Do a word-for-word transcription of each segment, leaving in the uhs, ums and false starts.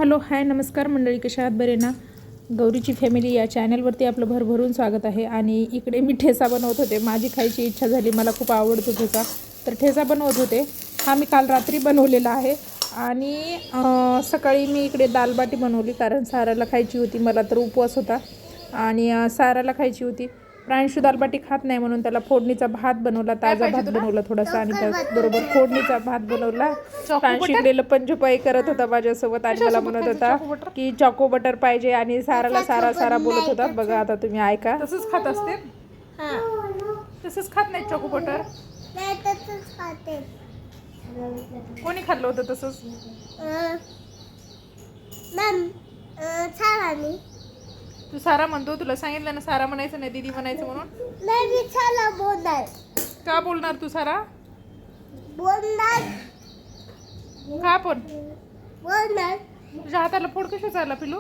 Hello hi नमस्कार मंडळी, कशा आहात? बरे ना? गौरीची फॅमिली या चॅनलवरती आपलं भरभरून स्वागत आहे. आणि इकडे मी ठेचा बनवत होते. माझी खायची इच्छा झाली, मला खूप आवडतो ठेचा, तर ठेचा बनवत होते. हा मी काल रात्री बनवलेला आहे. आणि सकाळी मी इकडे दालबाटी बनवली, कारण साराला खायची होती. मला तर उपवास होता आणि साराला खायची होती. प्रांशू दालबाटी खात नाही म्हणून त्याला फोडणीचा भात बनवला, ताजा भात बनवला थोडासा, आणि त्याचबरोबर फोडणीचा भात बनवला. प्रांशू इकडे लपंछपाई करत होता माझ्यासोबत आणि मला म्हणत होता की चॉको बटर पाहिजे, आणि साराला सारा सारा बोलत होता. बघा आता तुम्ही ऐका. तसंच खात असते, तसंच खात नाही चॉको बटर. कोणी खाल्लं होतं तसंच? तू सारा म्हणतो, तुला सांगितलं ना सारा म्हणायचं नाही, दीदी म्हणायचं म्हणून. का बोलणार तू सारा? बोलणार का पण? बोलणार तुझ्या हाताला फोड कशाचा आला पिलू?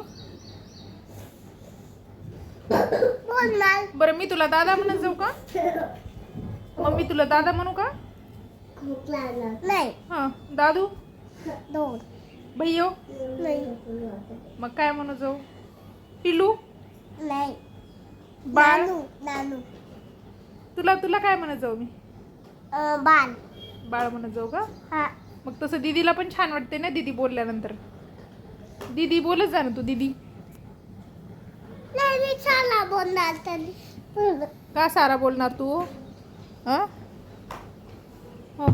बोलणार बरं मी तुला दादा म्हणत जाऊ का? मम्मी तुला दादा म्हणू का? नाही. हां दादू, दोन भैयो, नाही. मग काय म्हणू जाऊ? पिलू, नाही. बाळ, नानू नानू तुला तुला काय म्हणत जाऊ मी? अं, बाल बाळ म्हणत जाऊ का? हा. मग तसं दीदीला पण छान वाटते ना दीदी बोलल्यानंतर. दीदी बोलत जा ना तू, दीदी. नाही मी चला बोलणार तरी. का सारा बोलणार तू? हां हो.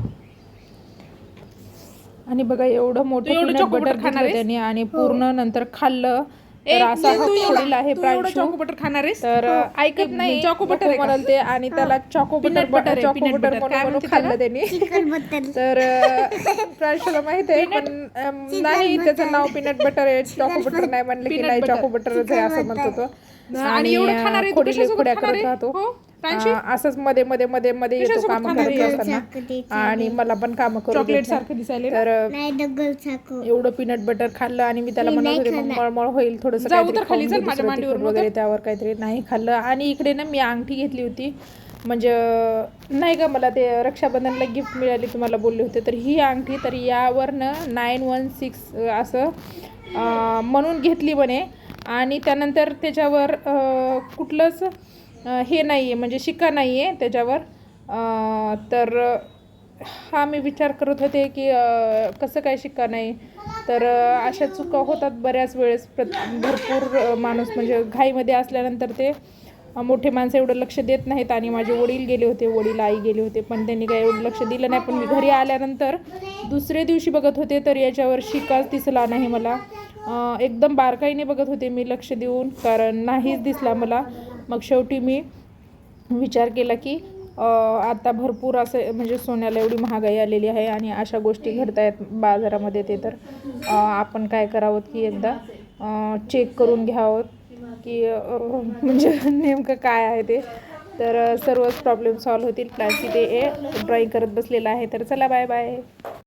आणि बघा एवढं मोठं पीनट बटर खाणार त्याने, आणि पूर्ण नंतर खाल्लं तर असा फोडील आहे प्रांशू. चॉको बटर खाणार आहेस? तर ऐकत नाही, चॉको बटर म्हणाल ते, आणि त्याला choco butter butter choco butter म्हणून खाल्लं त्यांनी. चिकन बटर तर प्रांशूला माहित आहे, पण अं, नाही त्याचं नाव पीनट बटर आहे, चॉको बटर नाही म्हणले की नाही चॉको बटरच आहे असं म्हणतो तो. आणि एवढं खाणार आहे तू? खोडीले कशासोबत खोड्या खाणार करत आहे? राहतो. हो, प्रांशू? अं, असंच मध्ये मध्ये मध्ये मध्ये येतो कशासोबत काम खाणार करत आहे? असताना, आणि मला पण काम करू चॉकलेट देत नाही. सारखं दिसायला. तर नाही दगड चाकू. एवढं पीनट बटर खाल्लं, आणि मी त्याला म्हणत होते मग मळमळ होईल थोडंसं जाऊ काहीतरी तर खाली, खाऊन चल घे, माझ्या दुसरं मांडीवर तिखट मग. वगैरे त्यावर काहीतरी नाही खाल्लं. आणि इकडे ना मी अंगठी घेतली होती, म्हणजे नाही का मला ते रक्षाबंधनला गिफ्ट मिळाली, तुम्हाला बोलले होते. तर ही अंगठी, तर यावरनं नाईन वन सिक्स असं अं, म्हणून घेतली म्हणे. आणि त्यानंतर त्याच्यावर अं, कुठलंच अं, हे नाही आहे, म्हणजे शिक्का नाही आहे त्याच्यावर. अं, तर हा मी विचार करत होते की अं, कसं काय शिक्का नाही. तर अं, अशा चुका होतात बऱ्याच वेळेस. प्रत भरपूर अं, माणूस म्हणजे घाईमध्ये असल्यानंतर ते अं, मोठे माणसं एवढं लक्ष देत नाहीत. आणि माझे वडील गेले होते, वडील आई गेले होते, पण त्यांनी काय एवढं लक्ष दिलं नाही. पण मी घरी आल्यानंतर दुसऱ्या दिवशी बघत होते, तर याच्यावर शिक्काच दिसला नाही मला. अं, एकदम बारकाईने बघत होते मी लक्ष देऊन, कारण नाहीच दिसला मला. मग शेवटी मी विचार केला की आता भरपूर असं म्हणजे सोन्याला एवढी महागाई आलेली आहे, आणि अशा गोष्टी घडत आहेत बाजारामध्ये. ते तर आपण काय करावं की एकदा चेक करून घ्यावं की म्हणजे नेमकं काय आहे ते. तर सर्वच प्रॉब्लेम सॉल्व्ह होतील. प्लॅसी ते ड्रॉईंग करत बसलेला आहे. तर चला बाय बाय.